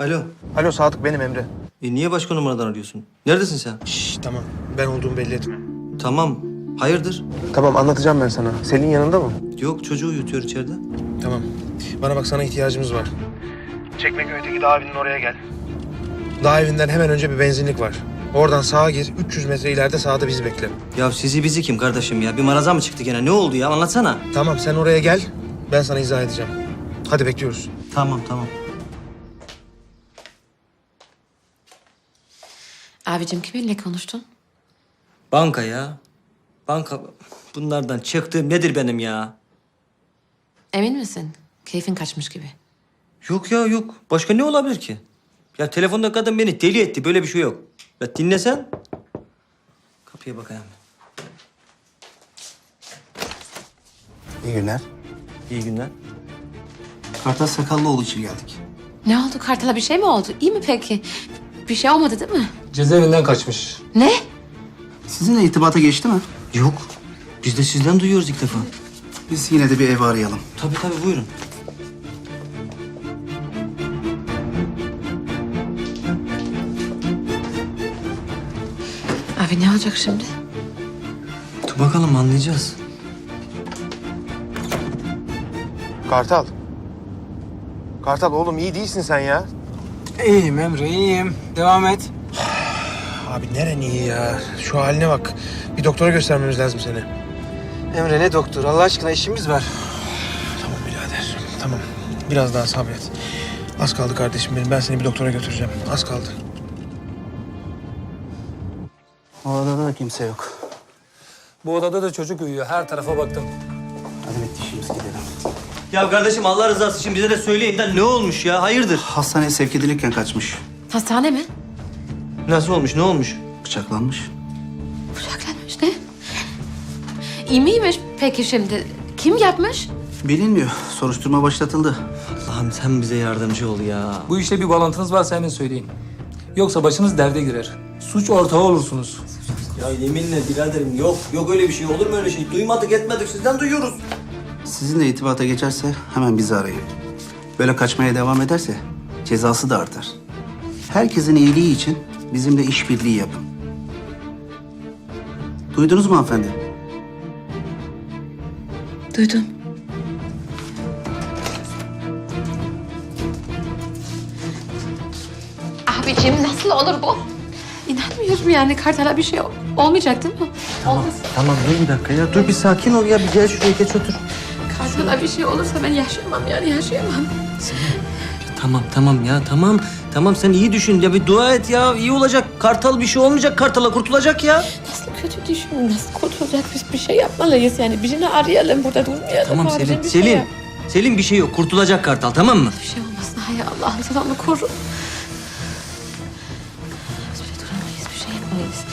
Alo. Alo Sadık, benim Emre. Niye başka numaradan arıyorsun? Neredesin sen? Şşş, tamam. Ben olduğumu belli etme. Tamam. Hayırdır? Tamam, anlatacağım ben sana. Selin yanında mı? Yok, çocuğu uyutuyor içeride. Tamam. Bana bak, sana ihtiyacımız var. Çekmeköy'deki dağ evinin oraya gel. Dağ evinden hemen önce bir benzinlik var. Oradan sağa gir, 300 metre ileride sağda bizi bekle. Ya sizi bizi kim kardeşim ya? Bir maraza mı çıktı gene? Ne oldu ya? Anlatsana. Tamam, sen oraya gel. Ben sana izah edeceğim. Hadi bekliyoruz. Tamam, tamam. Abicim kiminle konuştun? Banka ya. Banka. Bunlardan çıktığım nedir benim ya? Emin misin? Keyfin kaçmış gibi. Yok ya, yok. Başka ne olabilir ki? Ya telefonda kadın beni deli etti. Böyle bir şey yok. Ya dinlesen. Kapıya bakayım. İyi günler. İyi günler. Kartal Sakallıoğlu için geldik. Ne oldu? Kartal'a bir şey mi oldu? İyi mi peki? Bir şey olmadı değil mi? Cezaevinden kaçmış. Ne? Sizinle irtibata geçti mi? Yok. Biz de sizden duyuyoruz ilk defa. Biz yine de bir ev arayalım. Tabii tabii, buyurun. Abi ne olacak şimdi? Dur bakalım, anlayacağız. Kartal. Kartal oğlum, iyi değilsin sen ya. İyiyim Emre, iyiyim. Devam et. Abi neren iyi ya? Şu haline bak. Bir doktora göstermemiz lazım seni. Emre ne doktor? Allah aşkına işimiz var. Tamam birader, tamam. Biraz daha sabret. Az kaldı kardeşim benim. Ben seni bir doktora götüreceğim. Az kaldı. O odada da kimse yok. Bu odada da çocuk uyuyor. Her tarafa baktım. Hadi bitti, işimiz gidelim. Ya kardeşim, Allah rızası için bize de söyleyin de ne olmuş ya? Hayırdır? Hastaneye sevk edilirken kaçmış. Hastane mi? Nasıl olmuş? Ne olmuş? Bıçaklanmış. Bıçaklanmış ne? İyi miymiş peki şimdi? Kim yapmış? Bilinmiyor. Soruşturma başlatıldı. Allah'ım sen bize yardımcı ol ya. Bu işle bir bağlantınız varsa hemen söyleyin. Yoksa başınız derde girer. Suç ortağı olursunuz. Ya yeminle biraderim, yok. Yok öyle bir şey. Olur mu öyle şey? Duymadık etmedik. Sizden duyuyoruz. Sizinle irtibata geçerse hemen bizi arayın. Böyle kaçmaya devam ederse cezası da artar. Herkesin iyiliği için bizimle işbirliği yapın. Duydunuz mu hanımefendi? Duydum. Abicim nasıl olur bu? İnanmıyorum yani Kartal'a bir şey olmayacak değil mi? Olmaz. Tamam, dur bir dakika ya. Dur bir sakin ol ya. Bir gel şuraya, geç otur. Kartal'a bir şey olursa ben yaşayamam yani yaşayamam. Tamam, tamam ya. Tamam. Tamam, sen iyi düşün. Ya bir dua et ya. İyi olacak. Kartal bir şey olmayacak. Kartal'a kurtulacak ya. Nasıl kötü düşün, nasıl kurtulacak? Biz bir şey yapmalıyız yani. Birini arayalım, burada durmayalım. Tamam Abicim, Selin. bir şey Selin. yap. Selin, bir şey yok. Kurtulacak Kartal, tamam mı? Bir şey olmasın. Hay Allah'ım sen onu koru. Biz böyle duramayız, bir şey yapmalıyız.